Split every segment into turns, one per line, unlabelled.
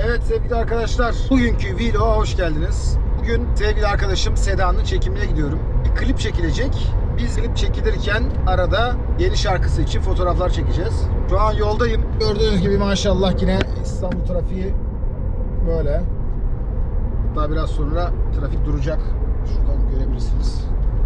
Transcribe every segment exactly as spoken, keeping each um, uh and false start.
Evet sevgili arkadaşlar, bugünkü vlog'a hoş geldiniz. Bugün sevgili arkadaşım Seda'nın çekimine gidiyorum. Bir klip çekilecek. Biz klip çekilirken arada yeni şarkısı için fotoğraflar çekeceğiz. Şu an yoldayım. Gördüğünüz gibi maşallah yine İstanbul trafiği böyle. Daha biraz sonra trafik duracak. Şuradan görebilirsiniz.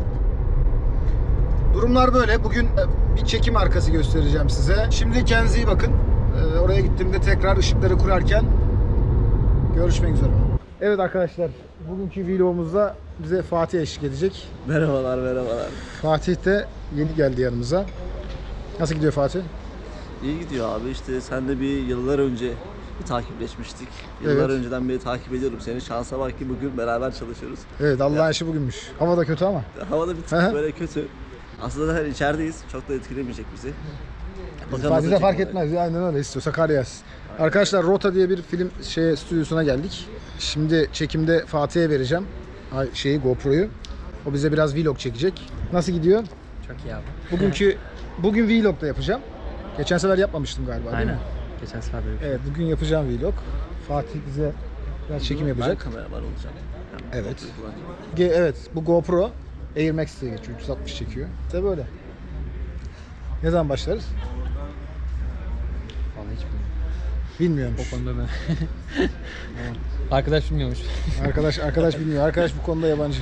Durumlar böyle. Bugün bir çekim arkası göstereceğim size. Şimdi kendinize iyi bakın. Oraya gittiğimde tekrar ışıkları kurarken görüşmek üzere. Evet arkadaşlar, bugünkü vlogumuzda bize Fatih eşlik edecek.
Merhabalar, merhabalar.
Fatih de yeni geldi yanımıza. Nasıl gidiyor Fatih?
İyi gidiyor abi. İşte sen de bir yıllar önce bir takipleşmiştik. Yıllar
Evet.
önceden beri takip ediyorum seni. Şansa bak ki bugün beraber çalışıyoruz.
Evet, Allah'ın işi bugünmüş. Hava da kötü ama.
Havada bir tık böyle kötü. Aslında her içerideyiz. Çok da etkilemeyecek bizi. Bakalım
Fatih de
nasıl
fark
çekim
etmez. Ya, aynen öyle. İstiyorsa kar yağsın. Arkadaşlar Rota diye bir film şey stüdyosuna geldik. Şimdi çekimde Fatih'e vereceğim Ay, şeyi GoPro'yu. O bize biraz vlog çekecek. Nasıl gidiyor?
Çok iyi abi.
Bugünkü bugün vlog da yapacağım. Geçen sefer yapmamıştım galiba. değil
Aynen.
mi?
Geçen sefer de
Evet, bugün yapacağım vlog. Fatih bize biraz çekim
Ben
yapacak.
kameraman olacağım. Yani
Evet.
fotoğrafı kullanacağım.
Ge- Evet, bu GoPro Air Max diye geçiyor. üç yüz altmış çekiyor. İşte böyle. Ne zaman başlarız?
Vallahi hiç bilmiyorum.
Bilmiyormuş.
O konuda ben. Arkadaş bilmiyormuş.
Arkadaş arkadaş bilmiyor. Arkadaş bu konuda yabancı.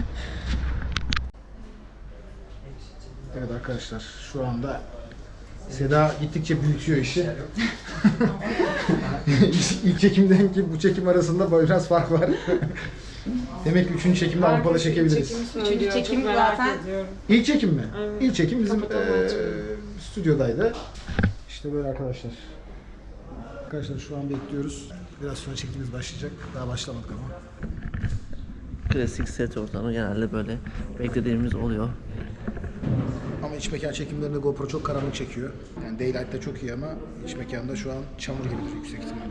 Evet arkadaşlar, şu anda Seda gittikçe büyütüyor işi. İlk çekimden ki bu çekim arasında biraz fark var. Demek ki üçüncü çekimde Avrupa'da çekebiliriz.
Üçüncü çekim zaten.
İlk çekim mi? İlk çekim bizim eee stüdyodaydı. İşte böyle arkadaşlar. Arkadaşlar şu an bekliyoruz. Biraz sonra çekimimiz başlayacak. Daha başlamadık ama.
Klasik set ortamı genelde böyle beklediğimiz oluyor.
Ama iç mekan çekimlerinde GoPro çok karanlık çekiyor. Yani Daylight'ta çok iyi ama iç mekanda şu an çamur gibidir yüksek ihtimalle.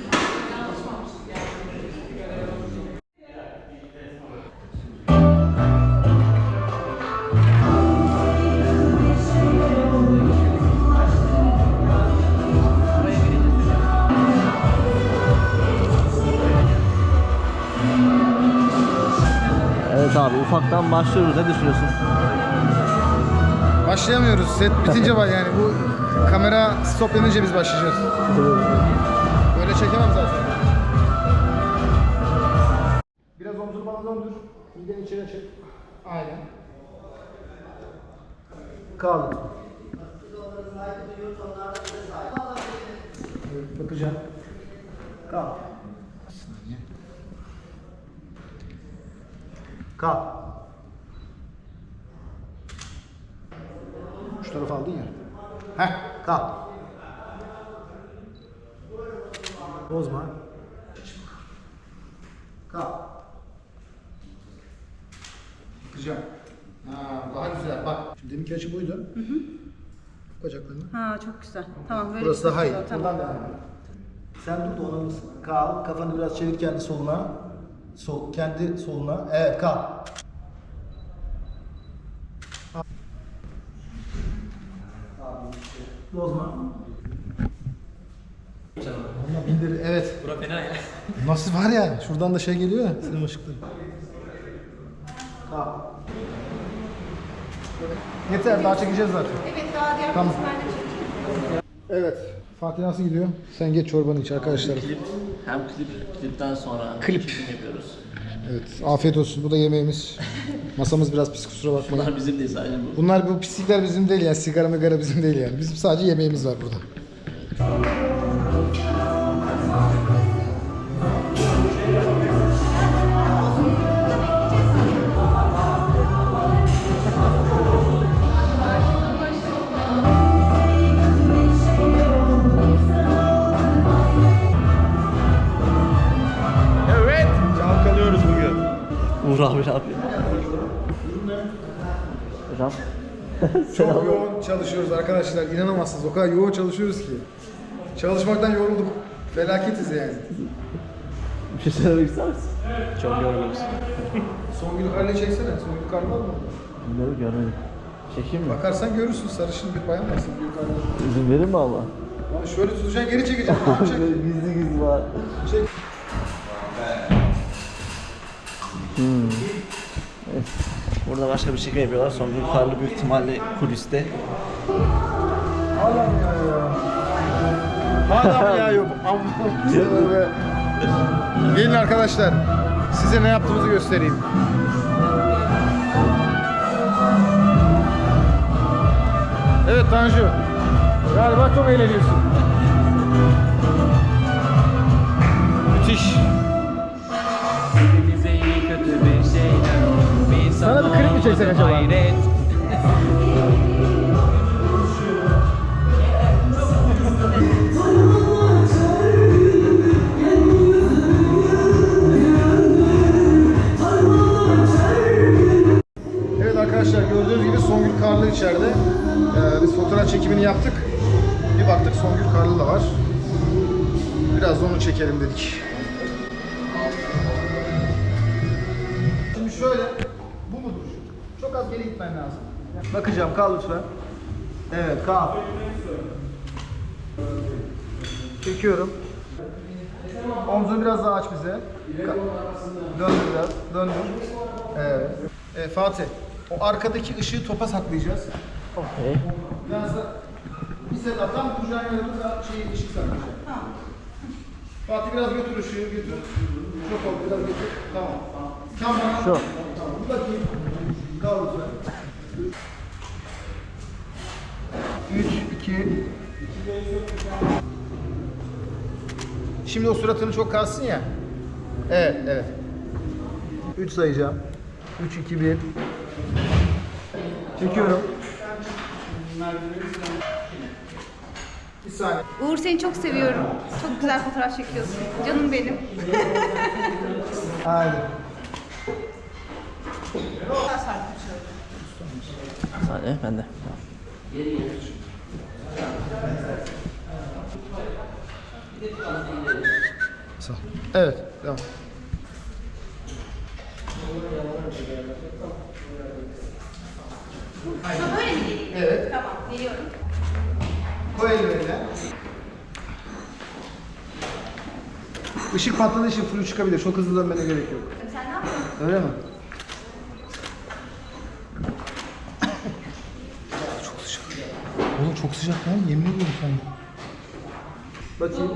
Evet abi, ufaktan başlıyoruz. Ne düşünüyorsun?
Başlayamıyoruz. Set bitince var yani. Bu kamera stoplanınca biz başlayacağız. Böyle çekemem zaten. Biraz omzunu bana döndür. Mideni içeri çek. Aynen. Kaldı. Evet, bakacağım. Kal. Bir saniye. Kal. Şu tarafa aldın ya. Heh, kal. Bozma. Kal. Bakacağım. Ha, daha güzel. Bak. Şimdi deminki açı buydu. Hı hı. Bacaklarını.
Ha çok güzel. Tamam böyle.
Burası daha iyi.
güzel,
Buradan
Tamam.
devam et. Sen dur da ona mısın? Kal. Kafanı biraz çevir kendi soluna. Sol, kendi soluna. Evet, kal. Bozma. Ama bindir, evet.
Bura fena ya.
Nasıl var ya? Şuradan da şey geliyor ya, sinema ışıkları. Kal. Yeter, daha çekeceğiz zaten.
Evet daha diğer
Tamam.
kısımlarda çekeceğim.
Evet. Fatih nasıl gidiyor? Sen geç çorbanı iç arkadaşlar.
Klip, hem klip, klipten sonra
Klip.
çekim yapıyoruz.
Evet, afiyet olsun. Bu da yemeğimiz. Masamız biraz pis, kusura bakmayın.
Bunlar bizim değil sadece bu.
Bunlar, bu pislikler bizim değil yani. Sigara migara bizim değil yani. Bizim sadece yemeğimiz var burada.
Evet, çalkalıyoruz bugün.
Uğur abi ne yapıyor? Hocam.
Çok yoğun çalışıyoruz arkadaşlar. İnanamazsınız. O kadar yoğun çalışıyoruz ki. Çalışmaktan yorulduk. Felaketiz yani.
Bir şey söylemek ister misin?
Çok yoruluruz.
Songül Karlı'yı çeksene. Songül Karlı var mı?
Bilmiyorum, görmedim. Çekeyim mi?
Bakarsan görürsün. Sarışın bir bayan var Songül Karlı.
İzin verir mi Allah?
Abi şöyle tutacaksın, geri çekeceksin. Tamam, çek.
Gizli gizli var.
Çek.
Hmm. Evet. Burada başka bir çekim yapıyorlar. Songül Karlı büyük ihtimalle kuliste.
Allah'ım ya ya. Adam ya yok. Amma. Gelin arkadaşlar. Size ne yaptığımızı göstereyim. Evet Tanju. Galiba çok eğleniyorsun. Müthiş.
Bize iyi kötü bir şeyler olur. Bir
Sana bir klip mi çeksek acaba?
Hayret.
Evet arkadaşlar, gördüğünüz gibi Songül Karlı içeride. Ee, biz fotoğraf çekimini yaptık. Bir baktık Songül Karlı da var. Biraz da onu çekelim dedik. Şimdi şöyle, bu mudur? Çok az geri gitmen lazım. Bakacağım, kal lütfen. Evet, kal. Çekiyorum. Omzunu biraz daha aç bize. Ka- Döndür biraz, döndür. Evet. E, Fatih, o arkadaki ışığı topa saklayacağız.
Okey.
Biraz da bir sefer tam kucağın yanında şey ışık saklayacak. Tamam. Fatih biraz götür ışığı, götür. Çok oldu, biraz götür. Tamam. Tamam.
Şu.
Tamam. Bir bakayım. Kal lütfen. Üç, iki. Şimdi o suratını çok kalsın ya. Evet, evet. Üç sayacağım. Üç, iki, bir. Çekiyorum. Bir saniye.
Uğur seni çok seviyorum. Çok güzel fotoğraf çekiyorsun. Canım benim.
Haydi.
Bir saniye ben de.
Sağ ol. Evet, devam.
Ha, böyle mi geleyim?
Evet.
Tamam, geliyorum.
Koy ellerine. Işık patladığı için flu çıkabilir. Çok hızlı dönmene gerek yok.
Sen ne yapıyorsun?
Öyle mi? Çok sıcak. Oğlum çok sıcak lan. Yemin ediyorum sana. Bakayım.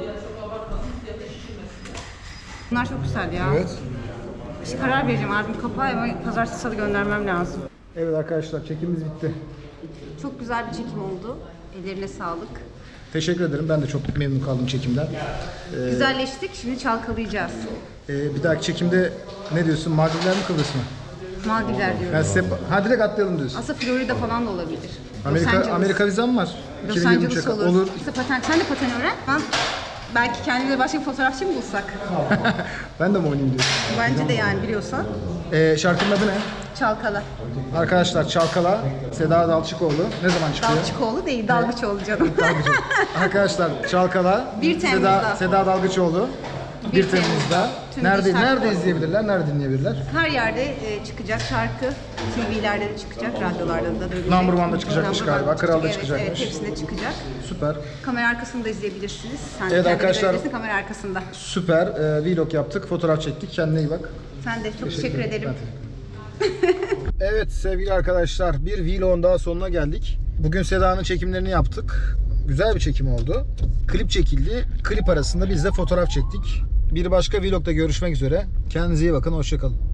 Bunlar çok güzel ya.
Evet.
İşte karar vereceğim. Albüm kapağı ama pazartesi salı göndermem lazım.
Evet arkadaşlar, çekimimiz bitti.
Çok güzel bir çekim oldu. Ellerine sağlık.
Teşekkür ederim. Ben de çok memnun kaldım çekimden. Ee,
Güzelleştik. Şimdi çalkalayacağız.
e, bir dahaki çekimde ne diyorsun? Maldivler mi, Kıbrıs mı?
Maldivler diyorum.
Yani size, ha direkt atlayalım diyorsun.
Aslında Florida falan da olabilir. Los
Amerika
Angeles.
Amerika vizem var.
Los
iki bin yirmi
Angeles
üçe
olur.
olur.
İşte paten, sen de paten öğren. Ben belki kendine başka bir fotoğrafçı mı bulsak?
Ben de mi oynayayım diyorsun?
Bence de yani biliyorsan.
Ee, şarkının adı ne?
Çalkala.
Arkadaşlar Çalkala, Seda Dalçıkoğlu. Ne zaman çıkıyor?
Dalgıçoğlu değil, Dalgıçoğlu canım.
Arkadaşlar Çalkala,
Bir
Seda,
Temmuz'da.
Seda Dalgıçoğlu.
Bir
bir Temmuz'da.
Tüm
Nerede
dijital
nerede
platform.
izleyebilirler? Nerede dinleyebilirler?
Her yerde e, çıkacak şarkı. T V'lerde de çıkacak, radyolarda da dönecek.
Number One'da çıkacakmış
Number
galiba,
One'da
Kral'da
çıkacak, evet,
çıkacakmış.
Evet, hepsinde çıkacak.
Süper.
Kamera arkasını da izleyebilirsiniz. Sen
Evet
kendini
arkadaşlar.
görebilirsin kamera arkasında.
Süper. Ee, vlog yaptık, fotoğraf çektik. Kendine iyi bak.
Sen de çok teşekkür, ederim.
Ben Evet sevgili arkadaşlar, bir vlogun daha sonuna geldik. Bugün Seda'nın çekimlerini yaptık. Güzel bir çekim oldu. Klip çekildi. Klip arasında biz de fotoğraf çektik. Bir başka vlogda görüşmek üzere. Kendinize iyi bakın. Hoşça kalın.